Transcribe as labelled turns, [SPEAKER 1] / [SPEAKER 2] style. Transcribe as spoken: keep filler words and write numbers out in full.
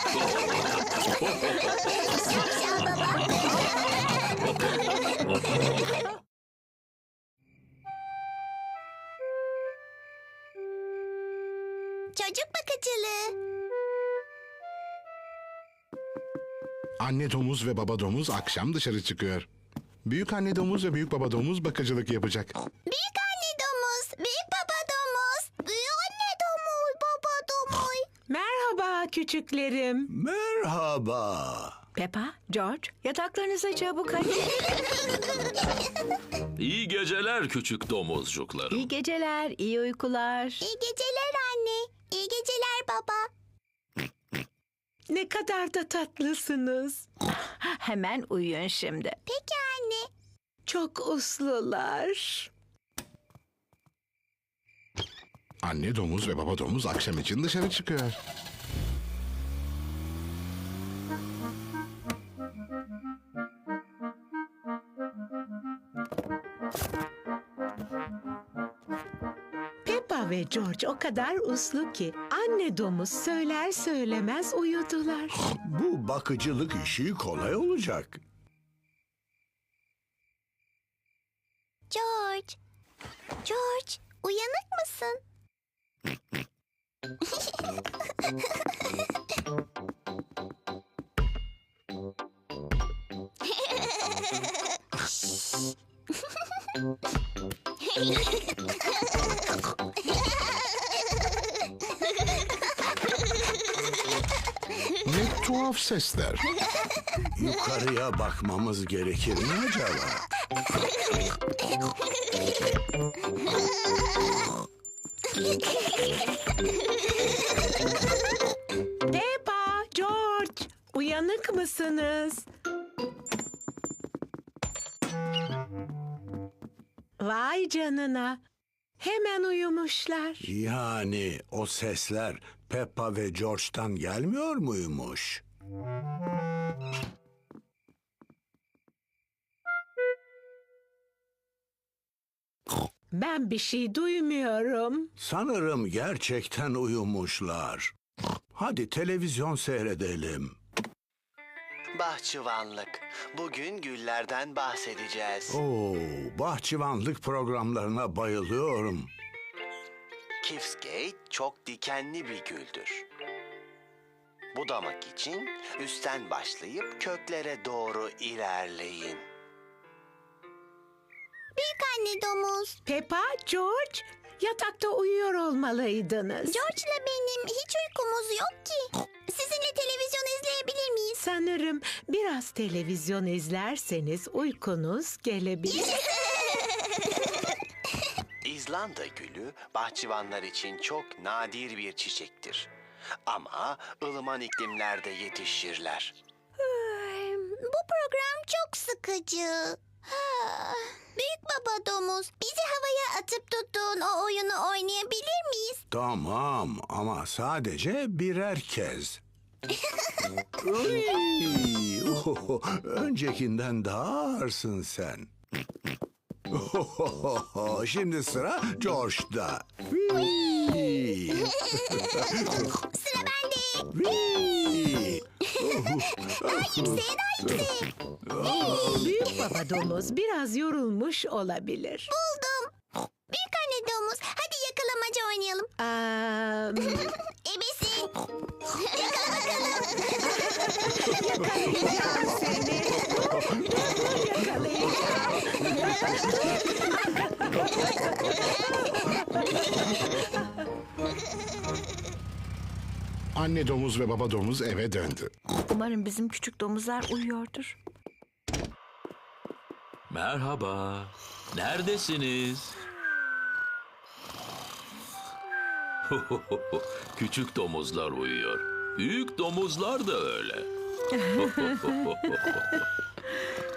[SPEAKER 1] Şapşal baba. Çocuk bakıcılığı.
[SPEAKER 2] Anne domuz ve baba domuz akşam dışarı çıkıyor. Büyük anne domuz ve büyük baba domuz bakıcılık yapacak.
[SPEAKER 1] Büyük anne domuz, büyük baba domuz, büyük anne domuz, baba domuz.
[SPEAKER 3] Merhaba küçüklerim.
[SPEAKER 4] Merhaba.
[SPEAKER 3] Peppa, George, yataklarınıza çabuk hadi.
[SPEAKER 5] İyi geceler küçük domuzcuklarım.
[SPEAKER 3] İyi geceler, iyi uykular.
[SPEAKER 1] İyi geceler anne, iyi geceler baba.
[SPEAKER 3] Ne kadar da tatlısınız. Hemen uyuyun şimdi.
[SPEAKER 1] Peki anne.
[SPEAKER 3] Çok uslular.
[SPEAKER 2] Anne domuz ve baba domuz akşam için dışarı çıkıyor.
[SPEAKER 3] Peppa ve George o kadar uslu ki anne domuz söyler söylemez uyudular.
[SPEAKER 4] Bu bakıcılık işi kolay olacak.
[SPEAKER 1] George, George, uyanık mısın?
[SPEAKER 2] Ne tuhaf sesler.
[SPEAKER 4] Yukarıya bakmamız gerekir mi acaba?
[SPEAKER 3] Peppa, George, uyanık mısınız? Vay canına. Hemen uyumuşlar.
[SPEAKER 4] Yani o sesler Peppa ve George'tan gelmiyor muymuş?
[SPEAKER 3] Ben bir şey duymuyorum.
[SPEAKER 4] Sanırım gerçekten uyumuşlar. Hadi televizyon seyredelim.
[SPEAKER 6] Bahçıvanlık. Bugün güllerden bahsedeceğiz.
[SPEAKER 4] Oo, bahçıvanlık programlarına bayılıyorum.
[SPEAKER 6] Kifsgate çok dikenli bir güldür. Budamak için üstten başlayıp köklere doğru ilerleyin.
[SPEAKER 1] Büyük anne domuz.
[SPEAKER 3] Peppa, George, yatakta uyuyor olmalıydınız.
[SPEAKER 1] George'la benim hiç uykumuz yok ki. Sizinle televizyon izleyebilir miyiz?
[SPEAKER 3] Sanırım biraz televizyon izlerseniz uykunuz gelebilir.
[SPEAKER 6] İzlanda gülü bahçıvanlar için çok nadir bir çiçektir. Ama ılıman iklimlerde yetişirler.
[SPEAKER 1] Bu program çok sıkıcı. Büyük baba domuz, bizi havaya atıp tuttuğun o oyunu oynayabilir miyiz?
[SPEAKER 4] Tamam ama sadece birer kez. Uy, ohoho, öncekinden daha ağırsın sen. Ohoho, şimdi sıra George'da. Uy.
[SPEAKER 1] Sıra bende.
[SPEAKER 4] Uy.
[SPEAKER 1] Daha yükseğe, daha yükseğe.
[SPEAKER 3] Büyük baba domuz biraz yorulmuş olabilir.
[SPEAKER 1] Buldum. Büyük anne domuz, hadi yakalamaca oynayalım.
[SPEAKER 3] Aa,
[SPEAKER 1] Ebesin. Yakala bakalım.
[SPEAKER 3] yakalayacağım seni. Yakalayacağım.
[SPEAKER 2] Anne domuz ve baba domuz eve döndü.
[SPEAKER 3] Umarım bizim küçük domuzlar uyuyordur.
[SPEAKER 5] Merhaba. Neredesiniz? Küçük domuzlar uyuyor. Büyük domuzlar da öyle.